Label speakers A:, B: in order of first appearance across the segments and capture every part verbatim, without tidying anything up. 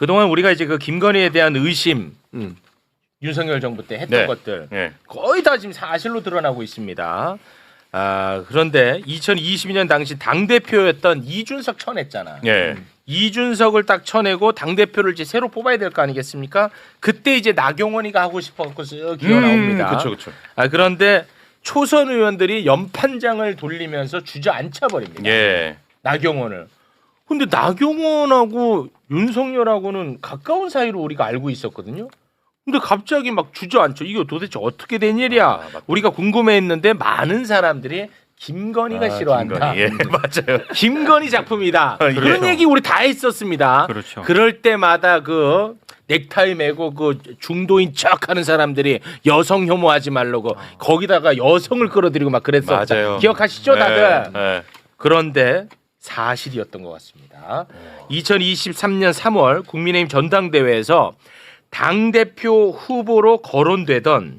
A: 그동안 우리가 이제 그 김건희에 대한 의심,
B: 음.
A: 윤석열 정부 때 했던
C: 네.
A: 것들
C: 네.
A: 거의 다 지금 사실로 드러나고 있습니다. 아, 그런데 이천이십이 년 당시 당대표였던 이준석 쳐냈잖아.
C: 예.
A: 이준석을 딱 쳐내고 당대표를 이제 새로 뽑아야 될 거 아니겠습니까? 그때 이제 나경원이가 하고 싶었고 기어 나옵니다.
C: 그렇죠, 그렇죠.
A: 아, 그런데 초선 의원들이 연판장을 돌리면서 주저앉혀 버립니다.
C: 예.
A: 나경원을. 근데 나경원하고 윤석열하고는 가까운 사이로 우리가 알고 있었거든요. 근데 갑자기 막 주저앉혀. 이거 도대체 어떻게 된 일이야?
C: 아,
A: 우리가 궁금해했는데 많은 사람들이 김건희가
C: 아,
A: 싫어한다.
C: 김건희. 예, 맞아요.
A: 김건희 작품이다.
C: 아,
A: 그런
C: 예.
A: 얘기 우리 다 했었습니다.
D: 그렇죠.
A: 그럴 때마다 그 넥타이 메고 그 중도인 척하는 사람들이 여성 혐오하지 말라고 거기다가 여성을 끌어들이고 막 그랬었다.
C: 맞아요.
A: 기억하시죠, 다들?
C: 네, 네.
A: 그런데 사실이었던 것 같습니다. 이천이십삼 년 삼월 국민의힘 전당대회에서 당대표 후보로 거론되던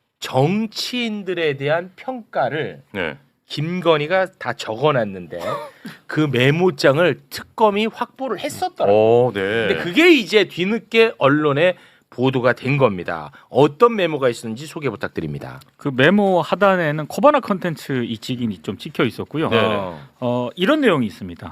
A: 정치인들에 대한 평가를
C: 네.
A: 김건희가 다 적어놨는데 그 메모장을 특검이 확보를 했었더라고요.
C: 오, 네.
A: 근데 그게 이제 뒤늦게 언론에 보도가 된 겁니다. 어떤 메모가 있었는지 소개 부탁드립니다.
D: 그 메모 하단에는 코바나 컨텐츠 이 직인이 좀 찍혀 있었고요.
C: 네.
A: 어.
D: 어, 이런 내용이 있습니다.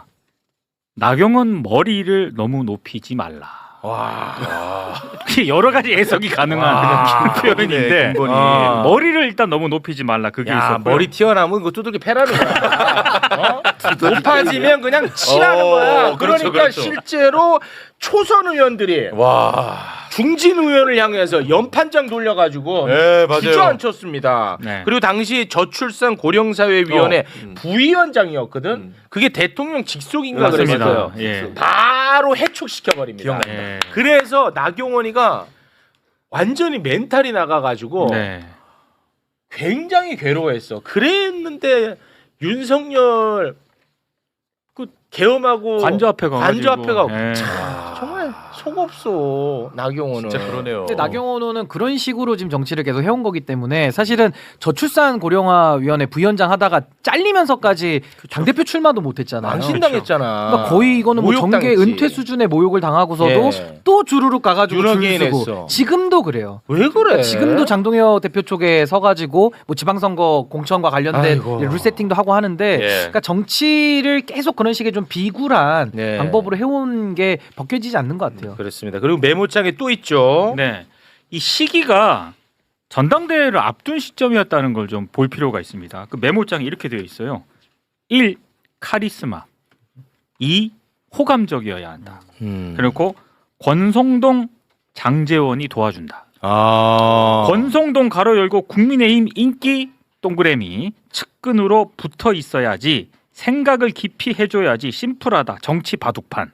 D: 나경원 머리를 너무 높이지 말라.
A: 와.
D: 여러 가지 해석이 가능한
A: 아,
D: 표현인데
C: 김건희.
A: 아.
D: 머리를 일단 너무 높이지 말라 그게
A: 야,
D: 있었고요.
A: 머리 튀어나오면 그 두들기 패라는 거야. 어? 높아지면 그냥 치라는
C: 어,
A: 거야.
C: 그렇죠,
A: 그러니까
C: 그렇죠.
A: 실제로 초선 의원들이
C: 와.
A: 중진 의원을 향해서 연판장 돌려가지고
C: 네, 맞아요.
A: 주저앉혔습니다.
D: 네.
A: 그리고 당시 저출산 고령사회위원회
C: 어,
B: 음.
A: 부위원장이었거든.
B: 음.
A: 그게 대통령 직속인가
D: 맞습니다.
A: 그랬어요.
D: 예.
A: 바로 해촉시켜 버립니다.
C: 기억납니다.
D: 예.
A: 그래서 나경원이가 완전히 멘탈이 나가가지고
D: 네.
A: 굉장히 괴로워했어. 그랬는데 윤석열 그 계엄하고
D: 관저 앞에 가가지고
A: 관저 앞에 가고
D: 예.
A: 정말 속 없어 나경원은.
C: 진짜 그러네요.
E: 근데 나경원 의원은 그런 식으로 지금 정치를 계속 해온 거기 때문에 사실은 저출산 고령화위원회 부위원장 하다가 잘리면서까지 당대표 출마도 못했잖아요.
A: 망신당했잖아.
E: 그러니까 거의 이거는 뭐 정계
A: 모욕당했지.
E: 은퇴 수준의 모욕을 당하고서도
A: 예.
E: 또 주르륵 가가지고 줄
A: 유럽인했어.
E: 서고 지금도 그래요.
A: 왜 그래?
E: 지금도 장동혁 대표 쪽에 서가지고 뭐 지방선거 공천과 관련된
A: 아이고.
E: 리세팅도 하고 하는데
C: 예.
E: 그러니까 정치를 계속 그런 식의 좀 비굴한
A: 네.
E: 방법으로 해온 게 벗겨지지 않는 것 같아요.
A: 그렇습니다. 그리고 메모장에 또 있죠.
D: 네. 이 시기가 전당대회를 앞둔 시점이었다는 걸 좀 볼 필요가 있습니다. 그 메모장에 이렇게 되어 있어요. 일. 카리스마. 이. 호감적이어야 한다.
A: 음.
D: 그리고 권성동 장재원이 도와준다.
A: 아.
D: 권성동 가로 열고 국민의힘 인기 동그라미 측근으로 붙어 있어야지 생각을 깊이 해줘야지 심플하다 정치 바둑판.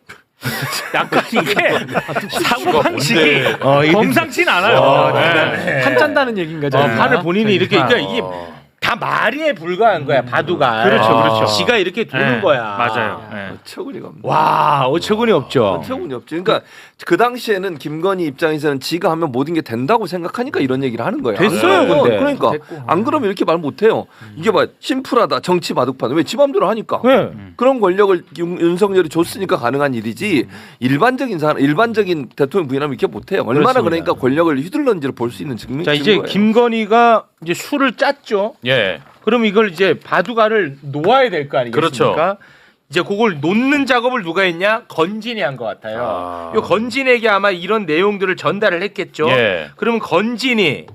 D: 약간 이게 사고 방식이
A: 어, 이게-
D: 범상치는 않아요.
A: 어,
D: 네.
E: 한짠다는 얘기인가
A: 어,
E: 저
A: 판을 본인이 이렇게 그러니까 이게
C: 어.
A: 다 말에 불과한 거야 바두가.
D: 그렇죠, 그렇죠.
A: 지가 이렇게 도는
D: 네,
A: 거야.
D: 맞아요. 네.
B: 어처구니가 없네.
A: 와 어처구니 없죠.
B: 어처구니 없지. 그러니까 그 당시에는 김건희 입장에서는 지가 하면 모든 게 된다고 생각하니까 이런 얘기를 하는 거야.
A: 됐어요,
B: 안 그러면-
A: 근데.
B: 그러니까
E: 됐고.
B: 안 그러면 이렇게 말 못해요. 이게 막 심플하다 정치 바둑판. 왜 지 맘대로 하니까.
A: 네.
B: 그런 권력을 윤, 윤석열이 줬으니까 가능한 일이지 일반적인 사람, 일반적인 대통령 부인하면 이렇게 못해요. 얼마나
A: 그렇습니다.
B: 그러니까 권력을 휘둘렀는지를 볼 수 있는 증명.
A: 자 이제
B: 증거예요.
A: 김건희가 이제 술을 짰죠.
C: 예.
A: 그럼 이걸 이제 바둑알을 놓아야 될 거 아니겠습니까?
C: 그렇죠.
A: 이제 그걸 놓는 작업을 누가 했냐? 건진이 한 것 같아요.
C: 아.
A: 요 건진에게 아마 이런 내용들을 전달을 했겠죠.
C: 예.
A: 그러면 건진이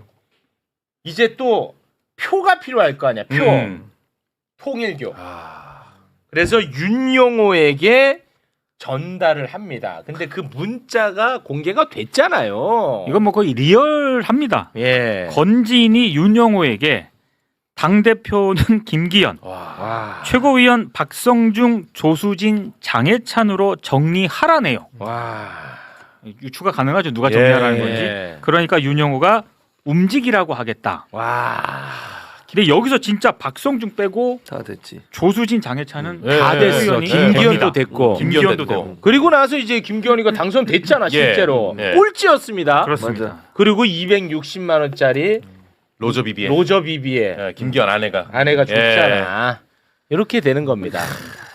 A: 이제 또 표가 필요할 거 아니야. 표.
C: 음.
A: 통일교.
C: 아.
A: 그래서 윤용호에게 전달을 합니다. 근데 그 문자가 공개가 됐잖아요.
D: 이건 뭐 거의 리얼합니다.
A: 예.
D: 건진이 윤영호에게 당대표는 김기현,
C: 와.
A: 와.
D: 최고위원 박성중, 조수진, 장해찬으로 정리하라네요.
A: 와.
D: 유추가 가능하죠. 누가 정리하라는
C: 예.
D: 건지. 그러니까 윤영호가 움직이라고 하겠다.
A: 와.
D: 근데 여기서 진짜 박성중 빼고
B: 다 됐지.
D: 조수진, 장해찬은
C: 예.
A: 다 됐어.
D: 의원이
A: 김기현도
D: 됩니다.
A: 됐고.
D: 김기현도
C: 됐고.
D: 되고.
A: 그리고 나서 이제 김기현이가 당선됐잖아, 실제로.
C: 예.
A: 꼴찌였습니다.
D: 그렇습니다.
B: 맞아.
A: 그리고 이백육십만 원짜리
C: 로저 비비에.
A: 로저 비비의
C: 예, 김기현 아내가.
A: 아내가
C: 예.
A: 줬잖아. 이렇게 되는 겁니다.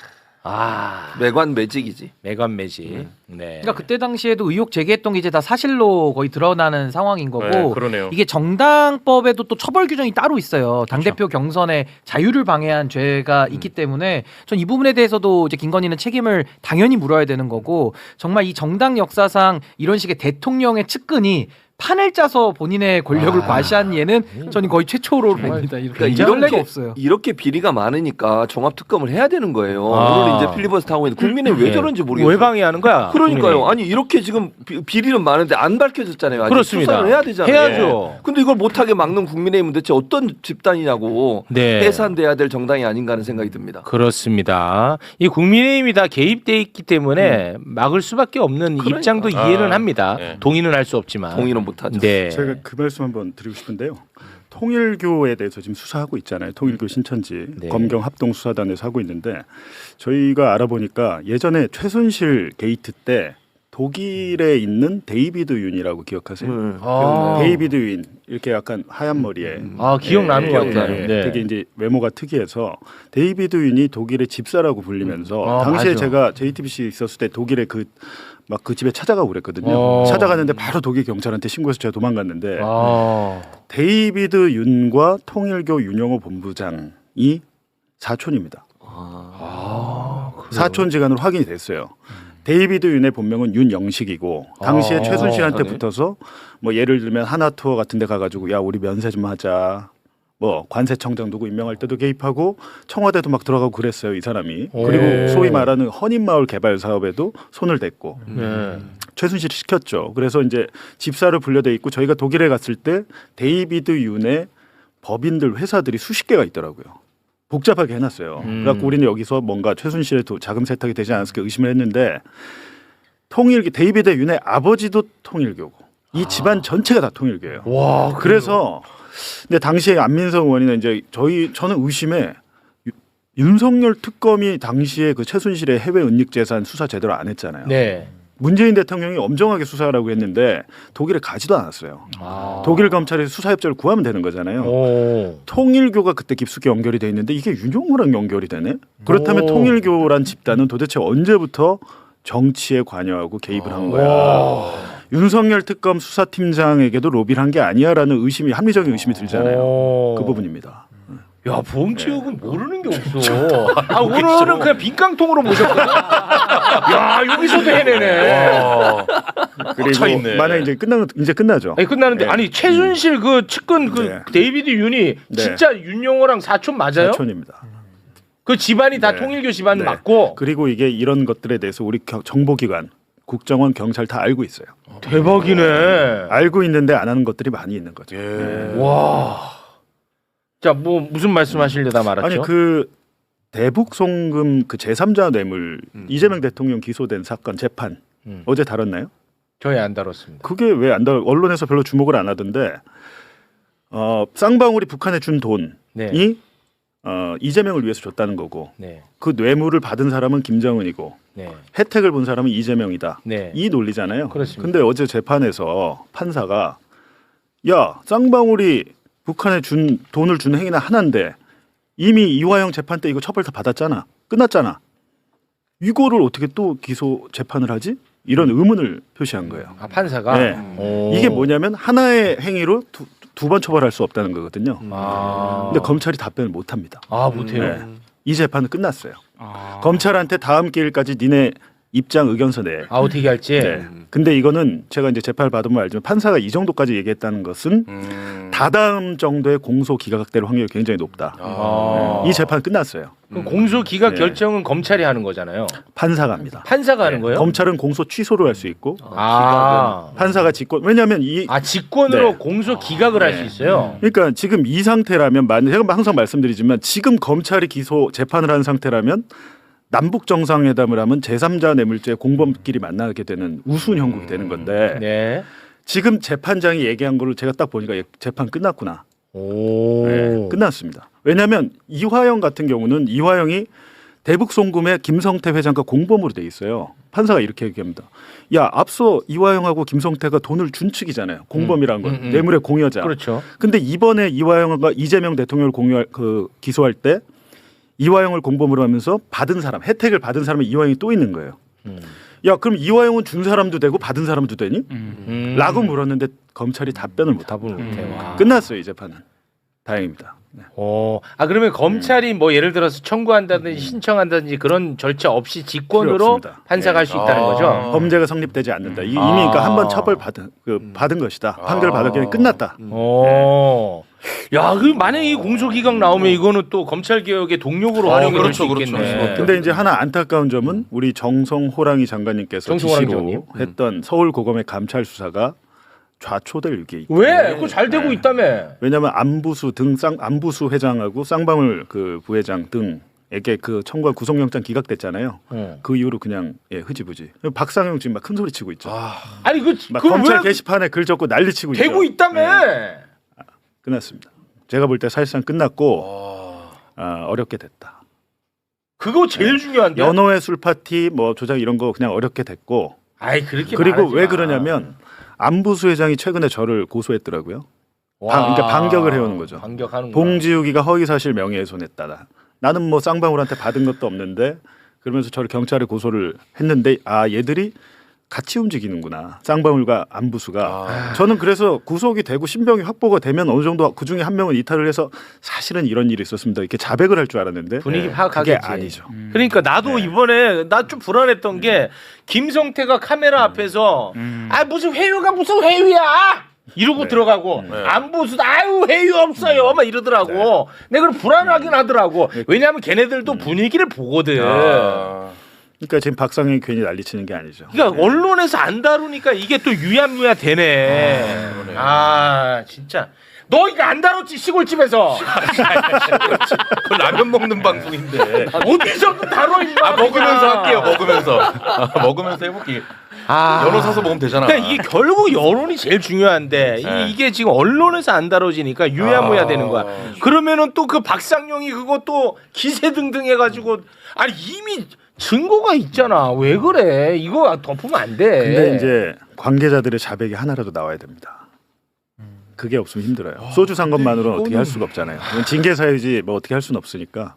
A: 아
B: 매관 매직이지.
A: 매관 매직. 네.
E: 그러니까 그때 당시에도 의혹 제기했던 게 이제 다 사실로 거의 드러나는 상황인 거고
C: 네, 그러네요.
E: 이게 정당법에도 또 처벌 규정이 따로 있어요. 당대표 경선의 자유를 방해한 죄가 있기 때문에 전 이 부분에 대해서도 이제 김건희는 책임을 당연히 물어야 되는 거고 정말 이 정당 역사상 이런 식의 대통령의 측근이 판을 짜서 본인의 권력을
A: 아.
E: 과시한 예는 저는 거의 최초로 봅니다. 이렇게 이럴 리가 없어요.
B: 이렇게 비리가 많으니까 종합 특검을 해야 되는 거예요.
A: 아.
B: 물론 이제 필리버스터 하고 있는 국민의 왜
A: 예.
B: 저런지 모르겠어요.
A: 왜 방해하는 거야?
B: 그러니까요.
A: 국민이.
B: 아니 이렇게 지금 비, 비리는 많은데 안 밝혀졌잖아요. 아직
A: 그렇습니다.
B: 수사를 해야 되잖아요.
A: 해야죠.
B: 근데 이걸 못하게 막는 국민의힘은 대체 어떤 집단이냐고
A: 네.
B: 해산돼야 될 정당이 아닌가 하는 생각이 듭니다.
A: 그렇습니다. 이 국민의힘이 다 개입돼 있기 때문에 막을 수밖에 없는
B: 그러니까.
A: 입장도 이해는
C: 아,
A: 합니다.
C: 네.
A: 동의는 할 수 없지만.
B: 동의는 못하죠.
A: 네.
F: 제가 그 말씀 한번 드리고 싶은데요. 통일교에 대해서 지금 수사하고 있잖아요. 통일교 신천지
A: 네.
F: 검경 합동 수사단에서 하고 있는데 저희가 알아보니까 예전에 최순실 게이트 때 독일에 있는 데이비드 윤이라고 기억하세요?
B: 음,
A: 아.
F: 데이비드 윤 이렇게 약간 하얀 머리에
A: 아 기억나는 것
B: 기억나요.
A: 같아요.
F: 예,
A: 네.
F: 되게 이제 외모가 특이해서 데이비드 윤이 독일의 집사라고 불리면서
A: 아,
F: 당시에
A: 맞아.
F: 제가 제이티비씨 있었을 때 독일에 그 막 그 집에 찾아가고 그랬거든요.
A: 어.
F: 찾아갔는데 바로 독일 경찰한테 신고해서 제가 도망갔는데
A: 아.
F: 데이비드 윤과 통일교 윤영호 본부장이 사촌입니다.
A: 아, 그래요?
F: 사촌지간으로 확인이 됐어요. 데이비드 윤의 본명은 윤영식이고 당시에
A: 아,
F: 최순실한테
B: 네.
F: 붙어서 뭐 예를 들면 하나투어 같은 데 가가지고 야 우리 면세 좀 하자. 뭐 관세청장 누구 임명할 때도 개입하고 청와대도 막 들어가고 그랬어요 이 사람이.
A: 오.
F: 그리고 소위 말하는 헌인마을 개발 사업에도 손을 댔고
A: 네.
F: 최순실이 시켰죠. 그래서 이제 집사로 분류돼 있고 저희가 독일에 갔을 때 데이비드 윤의 법인들 회사들이 수십 개가 있더라고요. 복잡하게 해놨어요.
A: 음.
F: 그래갖고 우리는 여기서 뭔가 최순실의 도- 자금 세탁이 되지 않았을까 의심을 했는데 통일 데이비드 윤의 아버지도 통일교고 이 집안 전체가 다 통일교예요.
A: 와,
F: 그래서 근데 당시에 안민석 의원이는 이제 저희 저는 의심에 유- 윤석열 특검이 당시에 그 최순실의 해외 은닉 재산 수사 제대로 안 했잖아요.
A: 네.
F: 문재인 대통령이 엄정하게 수사하라고 했는데 독일에 가지도 않았어요.
A: 아.
F: 독일 검찰에서 수사 협조를 구하면 되는 거잖아요.
A: 오.
F: 통일교가 그때 깊숙이 연결이 돼 있는데 이게 윤용호랑 연결이 되네. 그렇다면
A: 오.
F: 통일교란 집단은 도대체 언제부터 정치에 관여하고 개입을 한 거야?
A: 와.
F: 윤석열 특검 수사팀장에게도 로비를 한 게 아니야라는 의심이 합리적인 의심이 들잖아요.
A: 오.
F: 그 부분입니다.
A: 야, 보험체육은 모르는 게 없어. 아, 오늘은 그냥 빈깡통으로 모셨거든. 야, 여기서도 해내네.
C: 와.
F: 그리고
C: 꽂혀있네.
F: 만약 이제 끝나면 이제 끝나죠.
A: 아니, 끝나는데
F: 네.
A: 아니 최순실 그 측근 그
F: 네.
A: 데이비드 윤이
F: 네.
A: 진짜 윤영호랑 사촌 맞아요?
F: 사촌입니다.
A: 그 집안이 다
F: 네.
A: 통일교 집안
F: 네.
A: 맞고.
F: 그리고 이게 이런 것들에 대해서 우리 겨- 정보기관, 국정원, 경찰 다 알고 있어요.
A: 대박이네.
F: 알고 있는데 안 하는 것들이 많이 있는 거죠.
C: 예.
A: 와. 자, 뭐 무슨 말씀하시려다 말았죠?
F: 아니 그 대북 송금 그 제삼자 뇌물 이재명 대통령 기소된 사건 재판
A: 음.
F: 어제 다뤘나요?
A: 저희 안 다뤘습니다.
F: 그게 왜 안 다뤘? 언론에서 별로 주목을 안 하던데 어, 쌍방울이 북한에 준 돈이
A: 네.
F: 어, 이재명을 위해서 줬다는 거고
A: 네.
F: 그 뇌물을 받은 사람은 김정은이고
A: 네.
F: 혜택을 본 사람은 이재명이다.
A: 네.
F: 이 논리잖아요.
A: 그렇습니다.
F: 근데 어제 재판에서 판사가 야 쌍방울이 북한에 준 돈을 준 행위는 하나인데 이미 이화영 재판 때 이거 처벌 다 받았잖아. 끝났잖아. 이거를 어떻게 또 기소 재판을 하지? 이런 의문을 표시한 거예요.
A: 아, 판사가
F: 네.
A: 오.
F: 이게 뭐냐면 하나의 행위로 두 번 처벌할 수 없다는 거거든요.
A: 아.
F: 근데 검찰이 답변을 못 합니다.
A: 아, 못해요.
F: 네. 이 재판은 끝났어요.
D: 아.
F: 검찰한테 다음 기일까지 니네 입장 의견서 내.
A: 아, 어떻게 할지.
F: 네. 근데 이거는 제가 이제 재판을 받으면 알지만 판사가 이 정도까지 얘기했다는 것은
C: 음.
F: 다다음 정도의 공소 기각될 확률이 굉장히 높다.
A: 아.
F: 이 재판 끝났어요.
A: 그럼 공소 기각
F: 네.
A: 결정은 검찰이 하는 거잖아요.
F: 판사가 합니다.
A: 판사가 하는
F: 네.
A: 거예요?
F: 검찰은 공소 취소를 할 수 있고
A: 아.
F: 판사가 직권. 왜냐하면 이
A: 아, 직권으로
F: 네.
A: 공소 기각을 할 수
F: 네.
A: 있어요.
F: 그러니까 지금 이 상태라면 만 제가 항상 말씀드리지만 지금 검찰이 기소 재판을 한 상태라면 남북 정상회담을 하면 제삼자 뇌물죄 공범끼리 만나게 되는 우스운 형국이 되는 건데
A: 네.
F: 지금 재판장이 얘기한 거를 제가 딱 보니까 재판 끝났구나.
A: 오.
F: 네, 끝났습니다. 왜냐하면 이화영 같은 경우는 이화영이 대북 송금에 김성태 회장과 공범으로 돼 있어요. 판사가 이렇게 얘기합니다. 야, 앞서 이화영하고 김성태가 돈을 준 측이잖아요. 공범이란 건
A: 음, 음, 음.
F: 뇌물의 공여자.
A: 그렇죠.
F: 근데 이번에 이화영과 이재명 대통령을 공유할 그 기소할 때 이화영을 공범으로 하면서 받은 사람, 혜택을 받은 사람은 이화영이 또 있는 거예요.
A: 음.
F: 야, 그럼 이화영은 준 사람도 되고 받은 사람도 되니?
D: 음.
A: 음.
F: 라고 물었는데 검찰이 답변을 못 하고
A: 답을 못해.
D: 음.
A: 와.
F: 끝났어요, 이 재판은. 다행입니다. 네.
A: 어, 아 그러면 검찰이 뭐 예를 들어서 청구한다든지 신청한다든지 그런 절차 없이
F: 필요
A: 직권으로
F: 없습니다.
A: 판사가 할 수 있다는
C: 아.
A: 거죠.
F: 범죄가 성립되지 않는다. 이- 이미
A: 아.
F: 그러니까 한 번 처벌 받은 그 받은 것이다. 판결
C: 아.
F: 받았기 끝났다.
A: 어. 야, 그 만약에 이 공소기각 나오면 이거는 또 검찰 개혁의 동력으로
C: 어,
A: 활용이
C: 그렇죠,
A: 될수
C: 그렇죠.
A: 있겠네.
F: 근데 이제 하나 안타까운 점은 우리 정성 호랑이 장관님께서
A: 정성 호랑이
F: 지시로
A: 장관님.
F: 했던 서울고검의 감찰 수사가 좌초될 위기에 있다.
A: 왜? 그거 잘 되고 있다며.
F: 왜냐하면 안부수 등 쌍 안부수 회장하고 쌍방울 그 부회장 등에게 그 청구한 구속영장 기각됐잖아요.
A: 어.
F: 그 이후로 그냥 예, 흐지부지. 박상영 지금 막 큰 소리 치고 있죠.
A: 아니 그
F: 막
A: 그걸
F: 검찰
A: 왜
F: 게시판에 글 적고 난리 치고 있죠.
A: 되고 있다며.
F: 네, 끝났습니다. 제가 볼 때 사실상 끝났고 아, 어렵게 됐다.
A: 그거 제일 중요한데.
F: 연호의 술 파티 뭐 조작 이런 거 그냥 어렵게 됐고.
A: 아이 그렇게
F: 그리고
A: 말하지
F: 왜
A: 마.
F: 그러냐면 안부수 회장이 최근에 저를 고소했더라고요.
A: 와.
F: 방- 그러니까 반격을 해오는 거죠.
A: 반격하는 거.
F: 봉지욱이가 허위사실 명예훼손했다. 나는 뭐 쌍방울한테 받은 것도 없는데 그러면서 저를 경찰에 고소를 했는데 아 얘들이 같이 움직이는구나. 쌍방울과 안부수가. 저는 그래서 구속이 되고 신병이 확보가 되면 어느 정도 그 중에 한 명은 이탈을 해서 사실은 이런 일이 있었습니다. 이렇게 자백을 할 줄 알았는데
A: 분위기
F: 그게
A: 파악하겠지.
F: 아니죠.
A: 그러니까 나도 이번에 나 좀 불안했던 게 김성태가 카메라 앞에서
D: 음.
A: 아 무슨 회유가 무슨 회유야 이러고
F: 네.
A: 들어가고 안부수 아유 회유 없어요 막 이러더라고. 내가 그걸 불안하긴 하더라고. 왜냐하면 걔네들도 분위기를 보거든.
C: 아.
F: 그러니까 지금 박상현이 괜히 난리치는 게 아니죠.
A: 그러니까 언론에서 안 다루니까 이게 또 유야무야 되네. 아 진짜 너 이거 안 다뤘지 시골집에서
C: 그 라면 먹는 방송인데.
A: 어디서 다뤄 임마.
C: 아 먹으면서 할게요. 먹으면서. 아, 먹으면서 해볼게.
A: 아.
C: 연어 사서 먹으면 되잖아.
A: 그러니까 이게 결국 여론이 제일 중요한데
C: 네.
A: 이, 이게 지금 언론에서 안 다뤄지니까 유야무야
C: 아.
A: 되는 거야. 그러면은 또 그 박상용이 그것도 기세등등 해가지고 아니 이미 증거가 있잖아. 왜 그래? 이거 덮으면 안 돼.
F: 근데 이제 관계자들의 자백이 하나라도 나와야 됩니다. 그게 없으면 힘들어요. 소주 산 것만으로는 어떻게 할 수가 없잖아요. 이건 징계 사유지 뭐 어떻게 할 수는 없으니까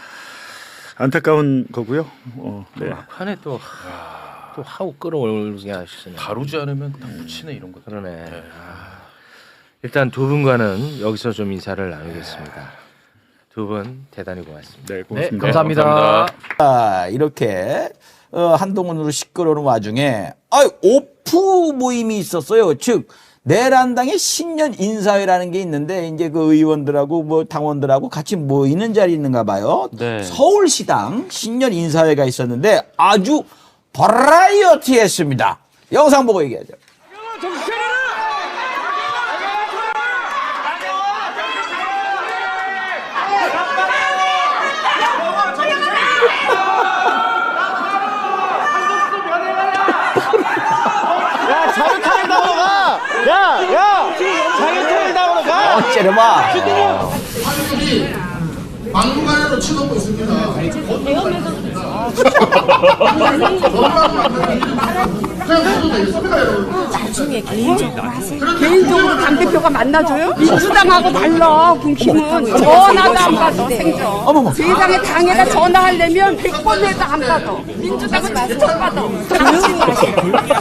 F: 안타까운 거고요. 어, 네.
A: 막판에 또, 또 하고 끌어올게 하시네.
C: 다루지 않으면 다 묻히네 이런 거.
A: 그러네. 아, 일단 두 분과는 여기서 좀 인사를 나누겠습니다. 두 분 대단히 고맙습니다.
F: 네, 고맙습니다.
E: 감사합니다.
C: 감사합니다.
G: 아, 이렇게 어, 한동훈으로 시끄러운 와중에 아, 오프 모임이 있었어요. 즉 내란당의 신년 인사회라는 게 있는데 이제 그 의원들하고 뭐 당원들하고 같이 모이는 자리 있는가 봐요. 서울시당 신년 인사회가 있었는데 아주 버라이어티했습니다. 영상 보고 얘기하죠. 어, 째려봐.
H: 막무가내로 쳐놓고 있습니다.
I: 나중에 개인적으로 하세요. 개인적으로 당대표가 만나줘요? 민주당하고 달라, 국힘은. 전화도 안 받아, 생전.
G: 어머머.
I: 세상에 당에다 전화하려면 백 번 해도 안 받아. 민주당은 진짜 받아. 조용히 하세요.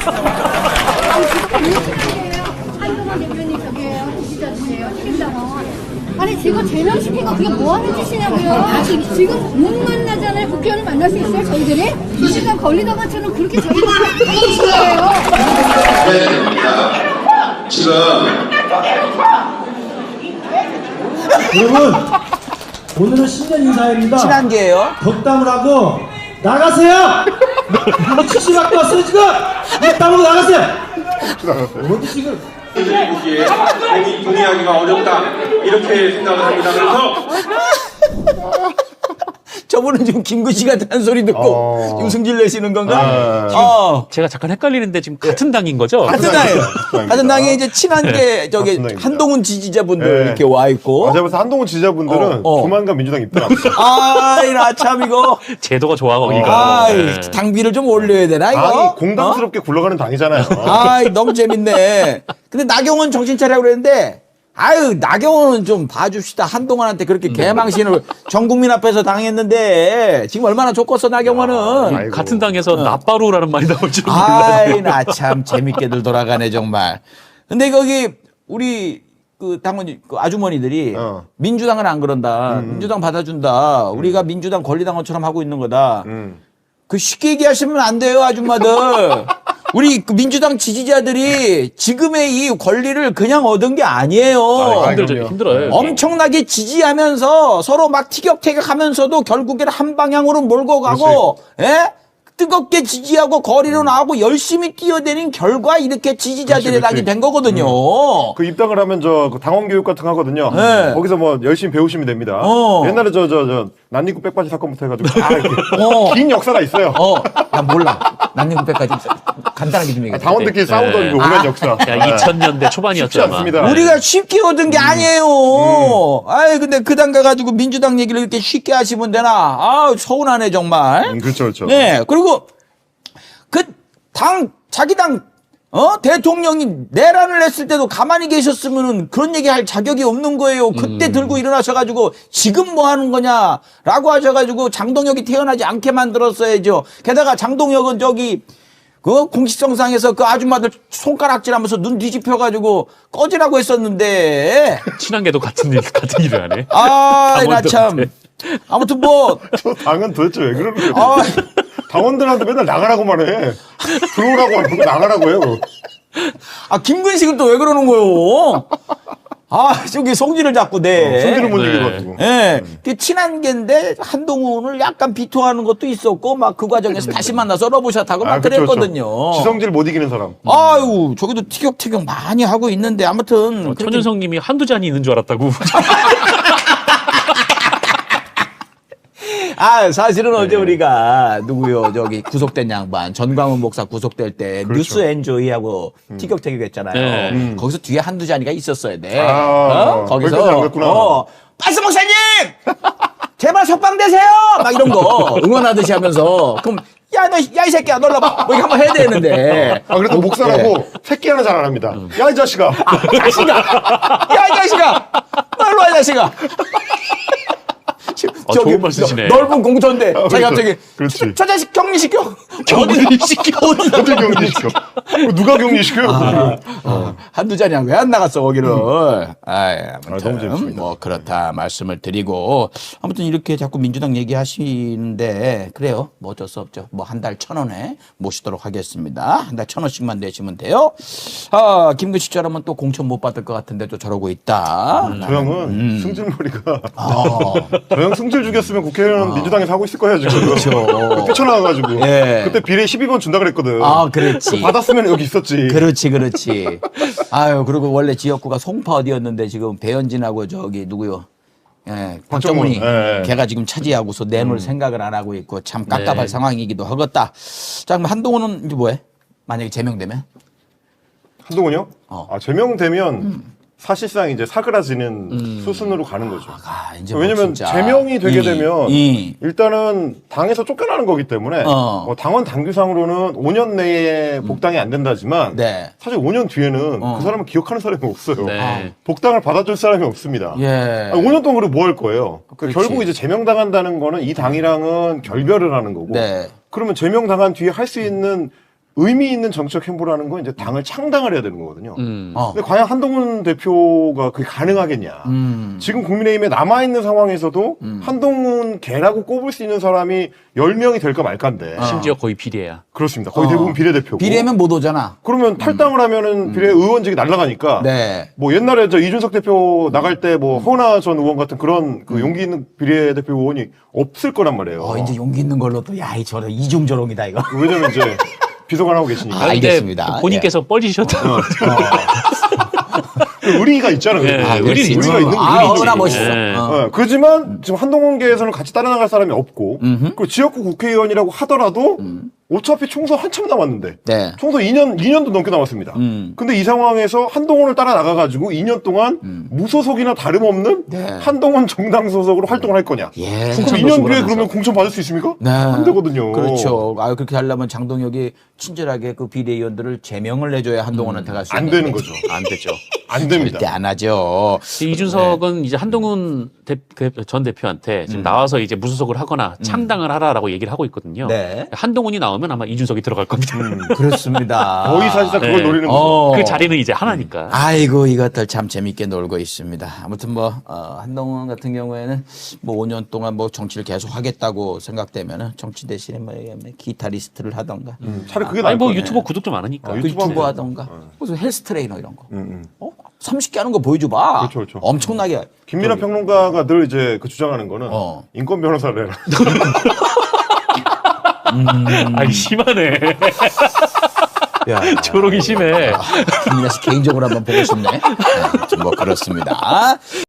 J: 한동훈 대표님 저기에요. 지지자주세요. 책임당원. 아니 지금 제명시킨 거 그게 뭐 하는 짓이냐고요. 지금 못 만나잖아요. 국회의원을 만날 수 있어요. 저희들이? 이 시간 걸리던 것처럼 그렇게 저희들이 하는 거예요.
H: 네, 됩니다. 지금
K: 여러분 오늘은 신년 인사회입니다.
G: 친한계예요.
K: 덕담을 하고 나가세요. 뭐 치시 갖고 왔어요 지금. 덕담으로 나가세요. 어디 지금?
H: 보기에 동의, 동의하기가 어렵다 이렇게 생각을 합니다. 그래서
G: 저분은 지금 김구씨 같은 한 소리 듣고 유승질 내시는 건가? 어.
L: 제가 잠깐 헷갈리는데 지금 같은 당인 거죠?
G: 같은 당이에요. 같은 당에 이제 친한계 저기 한동훈 지지자분들
M: 네.
G: 이렇게 와 있고.
M: 제가 봐서 한동훈 지지자분들은
G: 어, 어.
M: 조만간 민주당 입당합니다.
G: 아이 나 참 이거.
L: 제도가 좋아 거기가.
G: 아이
L: 네.
G: 당비를 좀 올려야 되나 이거?
M: 아니 공당스럽게 굴러가는 당이잖아요.
G: 아이 너무 재밌네. 근데 나경원 정신 차리라고 그랬는데 아유 나경원은 좀 봐줍시다. 한동훈한테 그렇게 개망신을 전 국민 앞에서 당했는데 지금 얼마나 좋겠어 나경원은.
L: 아이고. 같은 당에서 나빠루라는 말이 나올 줄
G: 아이 나 참 재밌게들 돌아가네 정말. 근데 거기 우리 그 당원 그 아주머니들이
M: 어.
G: 민주당은 안 그런다.
M: 음.
G: 민주당 받아준다. 우리가 민주당 권리당원처럼 하고 있는 거다.
M: 음.
G: 그 쉽게 얘기하시면 안 돼요 아줌마들. 우리 그 민주당 지지자들이 지금의 이 권리를 그냥 얻은 게 아니에요.
L: 아, 힘들죠. 힘들어요.
G: 엄청나게 지지하면서 서로 막 티격태격하면서도 결국에는 한 방향으로 몰고 가고, 예? 뜨겁게 지지하고 거리로 나오고 열심히 뛰어다닌 결과 이렇게 지지자들의 낙이 된 거거든요.
M: 음. 그 입당을 하면 저 당원 교육 같은 거 하거든요.
G: 네.
M: 거기서 뭐 열심히 배우시면 됩니다.
G: 어.
M: 옛날에 저 저 저 난닝구 백바지 사건부터 해가지고 다 이렇게
G: 어.
M: 긴 역사가 있어요.
G: 어, 난 몰라. 난닝구백까지 간단하게 좀 얘기해.
M: 아, 당원들끼리 싸우던 그 오랜
G: 아.
M: 역사.
L: 야, 이천 년대 초반이었죠.
M: 쉽지 않습니다.
G: 우리가 쉽게 얻은 게 아니에요.
M: 음.
G: 아이, 근데 그 당 가가지고 민주당 얘기를 이렇게 쉽게 하시면 되나? 아, 서운하네, 정말.
M: 음, 그렇죠, 그렇죠.
G: 네, 그리고 그 당, 자기 당, 어? 대통령이 내란을 했을 때도 가만히 계셨으면은 그런 얘기 할 자격이 없는 거예요. 그때
L: 음.
G: 들고 일어나셔가지고 지금 뭐 하는 거냐? 라고 하셔가지고 장동혁이 태어나지 않게 만들었어야죠. 게다가 장동혁은 저기 그 공식성상에서 그 아줌마들 손가락질 하면서 눈 뒤집혀가지고 꺼지라고 했었는데.
L: 친한게도 같은 일, 같은 일을 하네.
G: 아, 나 참. 아무튼 뭐.
M: 저 당은 도대체 왜 그러는 거예요?
G: 아,
M: 당원들한테 맨날 나가라고만 해. 들어오라고 안 하고 나가라고 해요.
G: 아, 김근식은 또 왜 그러는 거요? 아, 저기 송지를 자꾸 내.
M: 어, 송지를 못
L: 네.
M: 이겨가지고.
G: 예. 네. 그 친한 겐데 한동훈을 약간 비토하는 것도 있었고 막 그 과정에서 다시 만나서 러브샷하고 막
M: 아, 그쵸,
G: 그랬거든요.
M: 그쵸. 지성질 못 이기는 사람.
G: 아유, 저기도 티격태격 많이 하고 있는데 아무튼
L: 어, 천윤성 님이 한두 잔이 있는 줄 알았다고.
G: 아, 사실은 어제 우리가 누구요? 저기 구속된 양반 전광훈 목사 구속될 때
M: 그렇죠.
G: 뉴스 엔조이하고 티격태격 했잖아요.
L: 네.
M: 음.
G: 거기서 뒤에 한두 자리가 있었어야 돼.
M: 아,
G: 어? 거기서
M: 거기까지 안 갔구나.
G: 어, 빠스 목사님! 제발 석방되세요! 막 이런 거 응원하듯이 하면서 그럼 야, 너, 야, 이 새끼야, 놀러봐. 뭐 이렇게 한번 해야 되는데.
M: 아, 그래도 목사라고 새끼 하나 잘 안 합니다. 야, 이 자식아.
G: 아, 자식아! 야, 이 자식아! 놀러 와, 이 자식아!
L: 아, 좋은 말씀이시네.
G: 넓은 공터인데
M: 아,
G: 자기
M: 그렇죠.
G: 갑자기
M: 그렇지.
G: 저, 저 자식 격리시켜.
L: 격리시켜.
M: 어디 격리시켜? 누가 격리시켜요?
G: 아, 어. 한두 잔이야 왜 안 나갔어 거기를. 아이, 아무튼
M: 아, 너무 재밌습니다.
G: 뭐 그렇다 말씀을 드리고 아무튼 이렇게 자꾸 민주당 얘기하시는데 그래요. 뭐 어쩔 수 없죠. 뭐 한 달 천 원에 모시도록 하겠습니다. 한 달 천 원씩만 내시면 돼요. 아, 김근식 저라면 또 공천 못 받을 것 같은데 또 저러고 있다.
M: 저 형은
G: 음.
M: 승질머리가.
G: 아.
M: 저 형 승질 죽였으면 국회의원 민주당에서 하고 있을 거야 지금.
G: 그렇죠.
M: 뛰쳐나와가지고.
G: 예.
M: 그때 비례 십이 번 준다 그랬거든.
G: 아, 그렇지.
M: 받았으면 여기 있었지.
G: 그렇지, 그렇지. 아유, 그리고 원래 지역구가 송파 어디였는데 지금 배현진하고 저기 누구요? 예, 박정훈이
M: 박정훈, 예.
G: 걔가 지금 차지하고서 내놓을 생각을 안 하고 있고 참 깝깝할
L: 네.
G: 상황이기도 하겠다. 자, 그럼 한동훈은 이제 뭐해? 만약에 제명되면?
M: 한동훈이요?
G: 어.
M: 아, 제명되면
G: 음.
M: 사실상 이제 사그라지는 수순으로 가는 거죠.
G: 아, 이제 뭐
M: 왜냐면
G: 진짜.
M: 제명이 되게
G: 이,
M: 되면
G: 이.
M: 일단은 당에서 쫓겨나는 거기 때문에
G: 어.
M: 뭐 당원 당규상으로는 오 년 내에 복당이 안 된다지만
G: 네.
M: 사실 오 년 뒤에는
G: 어.
M: 그 사람을 기억하는 사람이 없어요.
L: 네.
M: 복당을 받아줄 사람이 없습니다.
G: 예.
M: 아니, 오 년 동안 그럼 뭐 할 거예요?
G: 그렇지.
M: 결국 이제 제명당한다는 거는 이 당이랑은 결별을 하는 거고.
G: 네.
M: 그러면 제명당한 뒤에 할 수 있는 의미 있는 정책 행보라는 건 이제 당을 창당을 해야 되는 거거든요.
L: 음.
G: 어.
M: 근데 과연 한동훈 대표가 그게 가능하겠냐?
G: 음.
M: 지금 국민의힘에 남아 있는 상황에서도
G: 음.
M: 한동훈 개라고 꼽을 수 있는 사람이 열 명이 될까 말까인데.
L: 심지어 거의 비례야.
M: 그렇습니다. 거의
G: 어.
M: 대부분 비례대표고.
G: 비례면 못 오잖아.
M: 그러면 탈당을 하면은 비례 의원직이 날아가니까.
G: 네.
M: 뭐 옛날에 저 이준석 대표 나갈 때 뭐 허은하 전 의원 같은 그런 그 용기 있는 비례대표 의원이 없을 거란 말이에요.
G: 어, 이제 용기 있는 걸로 또, 야, 이 저런 이중저롱이다, 이거.
M: 왜냐면 이제 비서관 하고 계시니까.
G: 아, 알겠습니다.
L: 근데 본인께서 뻘지셨다.
M: 어. 의리가 있잖아요.
L: 네,
M: 아,
L: 의리 있지.
M: 의리가 있는
G: 아,
M: 의리죠.
G: 어나 멋있어.
L: 네.
G: 어.
M: 어, 그렇지만 지금 한동훈계에서는 같이 따라 나갈 사람이 없고
G: 음흠.
M: 그리고 지역구 국회의원이라고 하더라도 어차피 총선 한참 남았는데
G: 네.
M: 총선 이 년 이 년도 넘게 남았습니다.
G: 음.
M: 근데 이 상황에서 한동훈을 따라 나가가지고 이 년 동안 무소속이나 다름없는
G: 네.
M: 한동훈 정당 소속으로 활동을 할 거냐?
G: 예.
M: 그럼 이 년 뒤에 그러면 공천 받을 수 있습니까?
G: 네.
M: 안 되거든요.
G: 그렇죠. 아, 그렇게 하려면 장동혁이 친절하게 그 비대위원들을 제명을 해줘야 한동훈한테 갈 수
M: 안
G: 있는
M: 되는 거죠.
L: 안 되죠.
M: 안 됩니다.
G: 절대 안 하죠.
L: 이준석은 이제 한동훈 대, 그 전 대표한테 지금
G: 음.
L: 나와서 이제 무소속을 하거나 창당을 하라라고 얘기를 하고 있거든요.
G: 네.
L: 한동훈이 나오면 아마 이준석이 들어갈 겁니다.
G: 그렇습니다.
M: 거의 사실상 그걸
L: 네.
M: 노리는 거죠.
G: 어.
L: 그 자리는 이제 하나니까.
G: 아이고 이것들 참 재밌게 놀고 있습니다. 아무튼 뭐 어, 한동훈 같은 경우에는 뭐 오 년 동안 뭐 정치를 계속 하겠다고 생각되면은 정치 대신에 뭐 기타리스트를 하던가,
M: 음, 차라리 그게
L: 아니
M: 나을
L: 뭐
M: 거네.
L: 유튜버 구독 좀 많으니까.
M: 어,
G: 그
M: 유튜브
G: 유튜버
M: 하면
G: 하던가, 무슨 헬스 트레이너 이런 거.
M: 음, 음.
G: 어? 삼십 개 하는 거 보여줘봐.
M: 그렇죠, 그렇죠.
G: 엄청나게.
M: 김민하 평론가가 늘 이제 그 주장하는 거는
G: 어.
M: 인권 변호사를 해라.
G: 음.
L: 아니 심하네.
G: 야,
L: 조롱이 심해.
G: 김민하 씨 개인적으로 한번 보고 싶네. 네, 아무튼 뭐 그렇습니다.